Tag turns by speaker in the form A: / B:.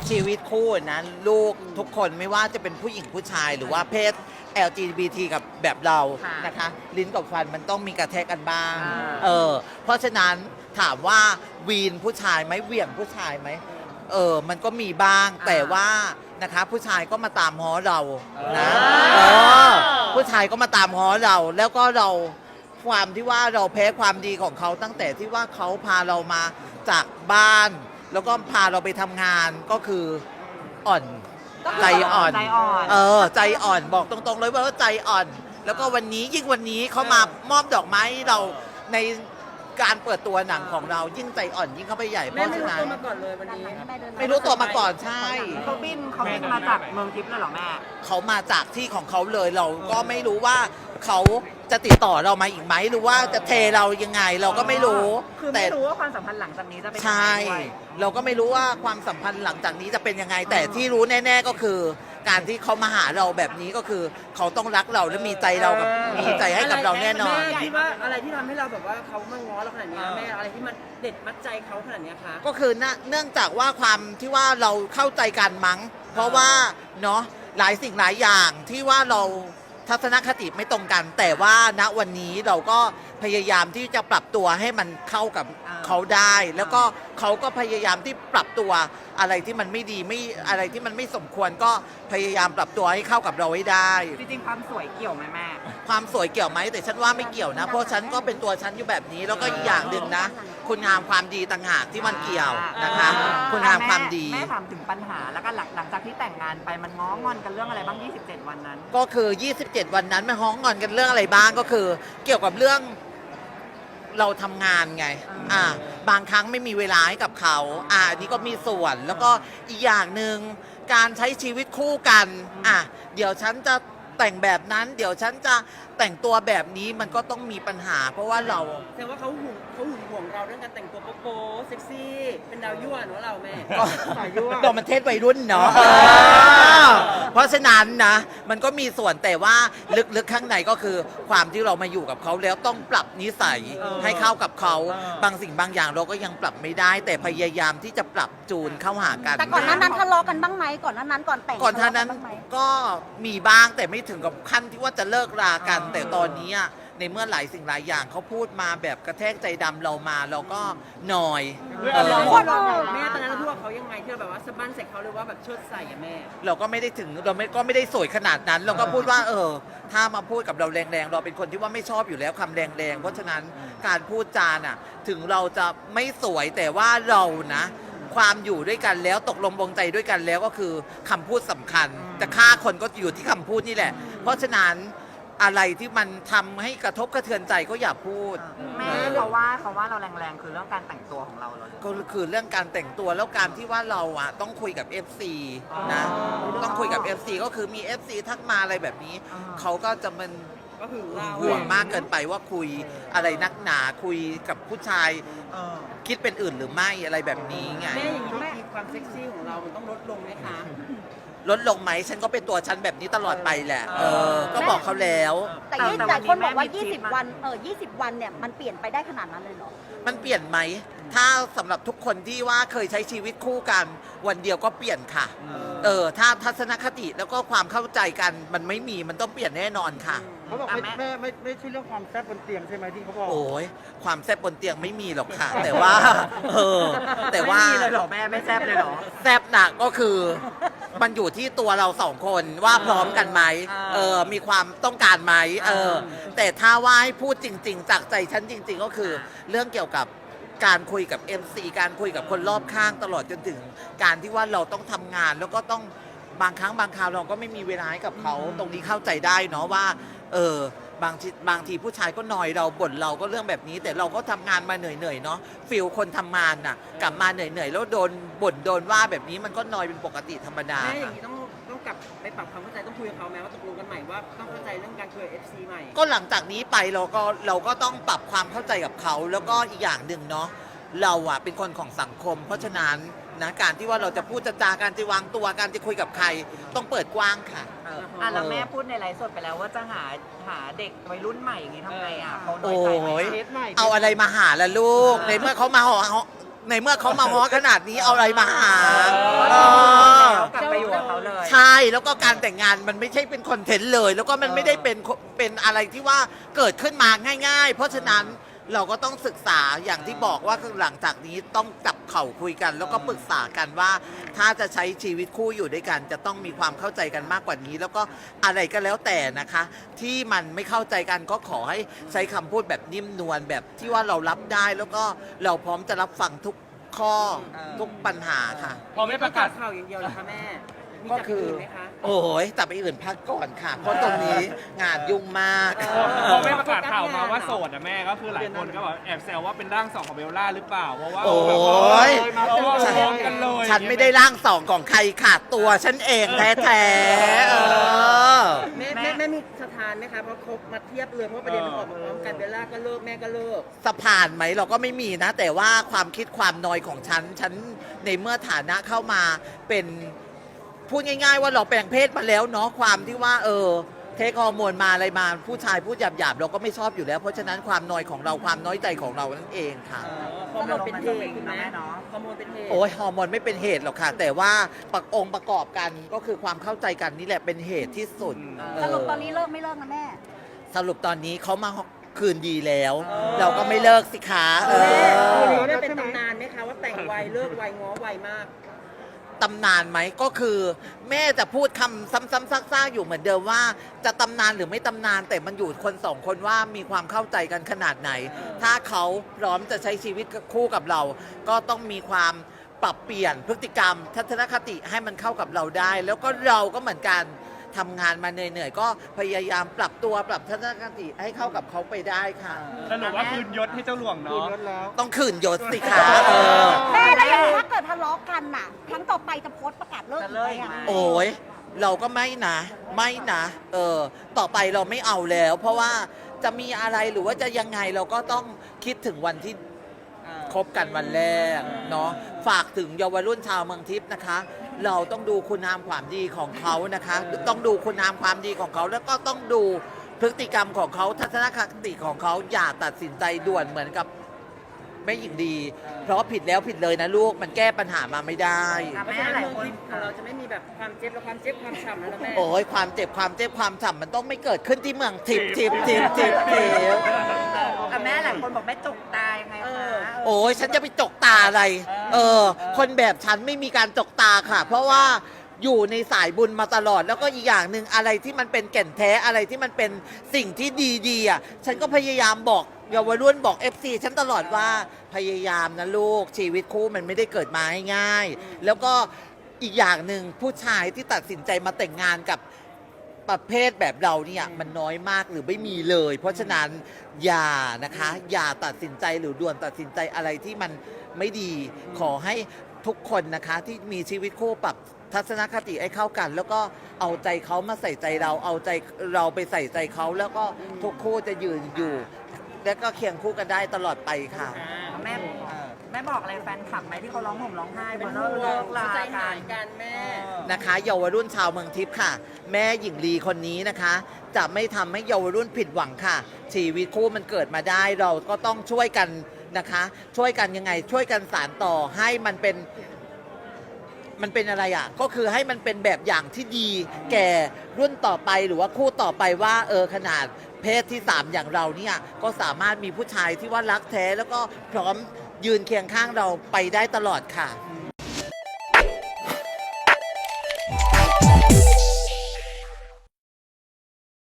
A: ชีวิตคู่นะลูกทุกคนไม่ว่าจะเป็นผู้หญิงผู้ชายหรือว่าเพศ LGBT กับแบบเรานะคะลิ้นกับฟันมันต้องมีกระแทกกันบ้างเพราะฉะนั้นถามว่าวีนผู้ชายไหมเหวี่ยงผู้ชายไหมมันก็มีบ้างแต่ว่านะคะผู้ชายก็มาตามง้อเรานะผู้ชายก็มาตามง้อเราแล้วก็เราความที่ว่าเราแพ้ความดีของเขาตั้งแต่ที่ว่าเขาพาเรามาจากบ้านแล้วก็พาเราไปทำงานก็คืออ่อนใจอ่อนใจอ่อนบอกตรงๆเลยว่าใจอ่อนแล้วก็วันนี้ยิ่งวันนี้เขามามอบดอกไม้เราในการเปิดตัวหนังของเรายิ่งใจอ่อนยิ่งเข้าไปใหญ่เพราะฉะนั้น
B: มาก่อนเลยวันนี้
A: ไม่รู้ตัวมาก่อนใช่
C: เขาบินมาจากเมืองทิพย์เลยเหรอแม่
A: เขามาจากที่ของเขาเลยเราก็ไม่รู้ว่าเขาจะติดต่อเรามาอีกไหมหรือว่าจะเทเรายังไงเราก็ไม่รู้
C: คือไม่รู้ว่าความสัมพันธ์หลังจากนี้จะเป็นยังไง
A: ใช่เราก็ไม่รู้ว่าความสัมพันธ์หลังจากนี้จะเป็นยังไงแต่ที่รู้แน่ๆก็คือ การที่เขามาหาเราแบบนี้ก็คือเขาต้องรักเราและมีใจเรากับมีใจให้กับเราแน่นอน
B: แม่คิดว่าอะไรที่ทำให้เราแบบว่าเขามาง้อเราขนาดนี้แม่อะไรที่มันเด็ดมัดใจเขาขนาดนี้คะ
A: ก็คือเนื่องจากว่าความที่ว่าเราเข้าใจกันมั้งเพราะว่าเนาะหลายสิ่งหลายอย่างที่ว่าเราทัศนคติไม่ตรงกัน แต่ว่าณวันนี้เราก็พยายามที่จะปรับตัวให้มันเข้ากับเขาได้ แล้วก็เขาก็พยายามที่ปรับตัวอะไรที่มันไม่ดีไม่อะไรที่มันไม่สมควรก็พยายามปรับตัวให้เข้ากับเราให้ได้
C: จริงๆความสวยเกี่ยวไหมแม่
A: ความสวยเกี่ยวไหมแต่ฉันว่าไม่เกี่ยวนะเพราะฉันก็เป็นตัวฉันอยู่แบบนี้แล้วก็อีกอย่างหนึ่งนะคุณงามความดีต่างหากที่มันเกี่ยวนะคะคุณงามความดี
C: แม่ถามถึงปัญหาแล้วก็หลังจากที่แต่งงานไปมันง้องอนกันเรื่องอะไรบ้าง27วันนั้น
A: ก็คือ27วันนั้นมันฮ้องงอนกันเรื่องอะไรบ้างก็คือ เกี่ยวกับเรื่องเราทำงานไงบางครั้งไม่มีเวลาให้กับเขาอันนี้ก็มีส่วนแล้วก็อีกอย่างหนึ่งการใช้ชีวิตคู่กันเดี๋ยวฉันจะแต่งแบบนั้นเดี๋ยวฉันจะแต่งตัวแบบนี้มันก็ต้องมีปัญหา เพราะว่าเรา
B: แสดงว่าเขาหึงห่วงเราเรื่องการแต่งตัวโป๊ะเซ็กซี่เป็นดาวยั่วเนอะเราแม่
A: ก็เรามันเทศวัยรุ่นเนาะเพราะฉะนั้นนะมันก็มีส่วนแต่ว่าลึกๆข้างในก็คือความที่เรามาอยู่กับเขาแล้วต้องปรับนิสัยให้เข้ากับเขาบางสิ่งบางอย่างเราก็ยังปรับไม่ได้ แต่พยายามที่จะปรับจูนเข้าหากัน
D: แต่ก่อนหน้านั้นทะเลาะกันบ้างไหมก่อนหน้านั้นก่อนแต่ง
A: ก่อนท่านั้นก็มีบ้างแต่ไม่ถึงกับขั้นที่ว่าจะเลิกรากัน แต่ตอนนี้ในเมื่อหลายสิ่งหลายอย่างเขาพูดมาแบบกระแทกใจดำเรามาเราก็หน่อย
B: แม่ตอนนั้นเราพูดกับเขายังไงที่เราแบบว่าสะบั้นใส่เขาหรือว่าแบบเชิดใส่แม่
A: เราก็ไม่ได้ถึงเราก็ไม่ได้สวยขนาดนั้น เราก็พูดว่าถ้ามาพูดกับเราแรงๆเราเป็นคนที่ว่าไม่ชอบอยู่แล้วคำแรงๆเพราะฉะนั้นการพูดจาน่ะถึงเราจะไม่สวยแต่ว่าเรานะความอยู่ด้วยกันแล้วตกลงปลงใจด้วยกันแล้วก็คือคำพูดสำคัญจะฆ่าคนก็อยู่ที่คำพูดนี่แหละเพราะฉะนั้นอะไรที่มันทำให้กระทบกระเทือนใจก็อย่าพูด
C: แม่เขาว่าเราแรงๆคือเรื่องการแต่งตัวของเราเลย
A: ก็คือเรื่องการแต่งตัวแล้วการที่ว่าเราต้องคุยกับ FC นะต้องคุยกับ FC ก็คือมี FC ทักมาอะไรแบบนี้เขาก็จะมัน
B: ก็คือ
A: ห่วงมากเกินไปว่าคุยอะไรนักหนาคุยกับผู้ชายคิดเป็นอื่นหรือไม่อะไรแบบนี้ไง
B: แม่อย่างนี้ความเซ็กซี่ของเรามันต้องลดลงไหมคะ
A: ลดลงไหมฉันก็เป็นตัวฉันแบบนี้ตลอดไปแหละก็บอกเขาแล้ว
D: แต่คนบอกว่า20วัน20วันเนี่ยมันเปลี่ยนไปได้ขนาดนั้นเลยเหรอ
A: มันเปลี่ยนไหมถ้าสำหรับทุกคนที่ว่าเคยใช้ชีวิตคู่กันวันเดียวก็เปลี่ยนค่ะถ้าทัศนคติแล้วก็ความเข้าใจกันมันไม่มีมันต้องเปลี่ยนแน่นอนค่ะ
E: เขาบอกไม่ใช่เรื่องความแซ่บบนเตียงใช่ไหมที่เขาบอก
A: โอ้ยความแซ่บบนเตียงไม่มีหรอกค่ะแต่ว่าแต่ว่า
C: ไม่มีเลยหรอแม่ไม่แซ่บเลยหรอ
A: แซ่บหนักก็คือมันอยู่ที่ตัวเราสองคนว่าพร้อมกันไหมมีความต้องการไหมแต่ถ้าว่าให้พูดจริงๆจากใจฉันจริงๆก็คือเรื่องเกี่ยวกับการคุยกับ MC การคุยกับคนรอบข้างตลอดจนถึงการที่ว่าเราต้องทำงานแล้วก็ต้องบางครั้งบางคราวเราก็ไม่มีเวลาให้กับเขาตรงนี้เข้าใจได้เนาะว่าบางทีผู้ชายก็นอยเราบ่นเราก็เรื่องแบบนี้แต่เราก็ทำงานมาเหนื่อยๆเนาะฟิลคนทำงานน่ะกลับมาเหนื่อยๆแล้วโดนบ่นโดนว่าแบบนี้มันก็นอยเป็นปกติธรรมดา
B: แม่อย่างนี้ต้องกลับไปปรับความเข้าใจต้องคุยกับเขาแม้ว่าตกลงกันใหม่ว่าต้องเข้าใจเรื่องการคุย FC ใหม่
A: ก็หลังจากนี้ไปเราก็ต้องปรับความเข้าใจกับเขาแล้วก็อีกอย่างหนึ่งเนาะเราเป็นคนของสังคมเพราะฉะนั้นนะการที่ว่าเราจะพูดจะจาการจะวางตัวการจะคุยกับใครต้องเปิดกว้างค่ะ
C: แล้วแม่พูดในไลฟ์สดไปแล้วว่าจะหาเด็กวัยรุ่นใหม่อย่างนี้ทำไงเขาน้
A: อย
C: ใจไหม
A: เอาอะไรมาหาล่ะลูกในเมื่อเขามาในเมื่อเขามาง้อขนาดนี้เอาอะไรมาหาเออ
C: กลับไปอยู่กับเขาเลย
A: ใช่แล้วก็การแต่งงานมันไม่ใช่เป็นคอนเทนต์เลย แล้วก็มันไม่ได้เป็นอะไรที่ว่าเกิดขึ้นมาง่าย ๆ เพราะฉะนั้นเราก็ต้องศึกษาอย่างที่บอกว่าหลังจากนี้ต้องจับเข่าคุยกัน แล้วก็ปรึกษากันว่า ถ้าจะใช้ชีวิตคู่อยู่ด้วยกัน จะต้องมีความเข้าใจกันมากกว่านี้ แล้วก็อะไรก็แล้วแต่นะคะ ที่มันไม่เข้าใจกันก็ขอให้ใช้คำพูดแบบนิ่มนวลแบบที่ว่าเรารับได้ แล้วก็เราพร้อมจะรับฟังทุกข้อทุกปัญหาค่ะ
B: พอไม่ประกาศข่าวอย่างเดียวเหรอคะแม่ มี
A: ก็
B: จาก
A: คือ
B: อื่นไหมคะ
A: โอ้ยแต่ไปอื่นพักก่อนค่ะ เพราะตรงนี้งานยุ่งมาก
F: พอไม่ประกาศข่าวมาว่าโสดอะแม่ก็คือหลายคนก็แบบแอบแซวว่าเป็นร่างสองของเบลล่าหรือเปล่าเพราะว่า
A: โอ้ย
F: เพราะว่าฟ้องกันเลย
A: ฉันไม่ได้ร่างสองของใครค่ะตัวฉันเองแท้ๆ
B: แม่มีสถานไหมคะเพราะคบมาเทียบเลยเพราะประเด็นมันออกมาพร้อมกันเบลล่าก็เลิกแม่ก็เลิก
A: สะพานไหมเราก็ไม่มีนะ แต่ว่าความคิดความนอยของฉันในเมื่อฐานะเข้ามาเป็นพูดง่ายๆว่าเราแปลงเพศมาแล้วเนาะความที่ว่าเทคฮอร์โมนมาอะไรมาผู้ชายพูดหยาบๆเราก็ไม่ชอบอยู่แล้ว เพราะฉะนั้นความนอยของเราความน้อยใจของเรานั่นเองค่ะ
B: ฮอร์โมนเป็นเหตุคุณแม่ฮอร์โมนเป็นเหตุ
A: โอ้ยฮอร์โมนไม่เป็นเหตุหรอกค่ะ แต่ว่าองค์ประกอบกันก็คือความเข้าใจกันนี่แหละเป็นเหตุที่สุด
D: สรุปตอนนี้เลิกไม่เลิกนะแม่
A: สรุปตอนนี้เขามาคืนดีแล้ว เราก็ไม่เลิกสิคะ
B: แม่เป็นตำนานไหมคะว่าแต่งไวเลิกไวง้อไวมาก
A: ตำนานไหมก็คือ แม่จะพูดคำซ้ำๆซากๆอยู่เหมือนเดิมว่า จะตำนานหรือไม่ตำนานแต่มันอยู่คนสองคนว่ามีความเข้าใจกันขนาดไหน ถ้าเขาพร้อมจะใช้ชีวิตคู่กับเรา ก็ต้องมีความปรับเปลี่ยนพฤติกรรม ทัศนคติให้มันเข้ากับเราได้ แล้วก็เราก็เหมือนกันทำงานมาเหนื่อยๆก็พยายามปรับตัวปรับทัศนคติให้เข้ากับเขาไปได้ค่ะ
F: สรุปว่าคืนยศให้เจ้าหลวง
E: คืน
F: เนาะ
E: รถแล้ว
A: ต้องคืนยศสิคะ
D: แม่แล้วอย่างถ้าเกิดทะเลาะกันน่ะ ครั้งต่อไปจะโพสต์ประกาศเลิก
C: จะ
D: อีก
C: เลิ
D: ไห
C: ก
D: ม
C: อีก
D: อะ
C: ไหม
A: โอ้ยเราก็ไม่นะต่อไปเราไม่เอาแล้ว เพราะว่าจะมีอะไรหรือว่าจะยังไงเราก็ต้องคิดถึงวันที่คบกันวันแรกเนาะฝากถึงเยาวรุ่นชาวเมืองทิพย์นะคะ เราต้องดูคุณงามความดีของเขานะคะ ต้องดูคุณงามความดีของเขาแล้วก็ต้องดูพฤติกรรมของเขาทัศนคติของเขาอย่าตัดสินใจด่วนเหมือนกับแม่หญิงดี เพราะผิดแล้วผิดเลยนะลูกมันแก้ปัญหามาไม่ได้
C: ค่ะ
B: เพราะ
C: แม่
B: ฉะนั้น
C: หลาย
B: เมือง
C: คน
B: ทิพย์ของเราจะไม่มีแบบความเจ็บและความเจ็บความฉ่ำแล้วนะแม่
A: โอ้ยความเจ็บความฉ่ำมันต้องไม่เกิดขึ้นที่เมืองทิพย์
C: แต่แม่หลายคนบอกแม่จุกตายไงคะ
A: โอ้ยฉันจะไปจกตาอะไร คนแบบฉันไม่มีการจกตาค่ะ เพราะว่าอยู่ในสายบุญมาตลอด แล้วก็อีกอย่างหนึ่งอะไรที่มันเป็นแก่นแท้อะไรที่มันเป็นสิ่งที่ดีๆอ่ะฉันก็พยายามบอกเยาวรุ่นบอก FC ฉันตลอดว่าพยายามนะลูกชีวิตคู่มันไม่ได้เกิดมาง่ายๆแล้วก็อีกอย่างหนึ่งผู้ชายที่ตัดสินใจมาแต่งงานกับประเภทแบบเราเนี่ยมันน้อยมากหรือไม่มีเลย เพราะฉะนั้นอย่านะคะอย่าตัดสินใจหรือด่วนตัดสินใจอะไรที่มันไม่ดีขอให้ทุกคนนะคะที่มีชีวิตคู่ปรับทัศนคติให้เข้ากัน แล้วก็เอาใจเขามาใส่ใจเราเอาใจเราไปใส่ใจเขาแล้วก็ทุกคู่จะยืนอยู่ แล้วก็เคียงคู่กันได้ตลอดไปค่ะ
C: แม่บอกอะไรแฟนคลับไหมที่เขาร้องห่มร้องไห้บ
B: เป็น
C: น
B: ห่ว
C: เลิ
B: ง
C: กลา
B: ใจ
C: กั
B: หาน ยกันแม่
A: นะคะเยาวรุ่นชาวเมืองทิพย์ค่ะ แม่หญิงลีคนนี้นะคะ จะไม่ทำให้เยาวรุ่นผิดหวังค่ะ ชีวิตคู่มันเกิดมาได้เราก็ต้องช่วยกันนะคะ ช่วยกันยังไง ช่วยกันสานต่อให้มันเป็นอะไรอ่ะก็คือให้มันเป็นแบบอย่างที่ดี แก่รุ่นต่อไปหรือว่าคู่ต่อไปว่าขนาดเพศที่ 3 อย่างเราเนี่ยก็สามารถมีผู้ชายที่ว่ารักแท้แล้วก็พร้อมยืนเคียงข้างเราไปได้ตลอดค่ะ
E: อืม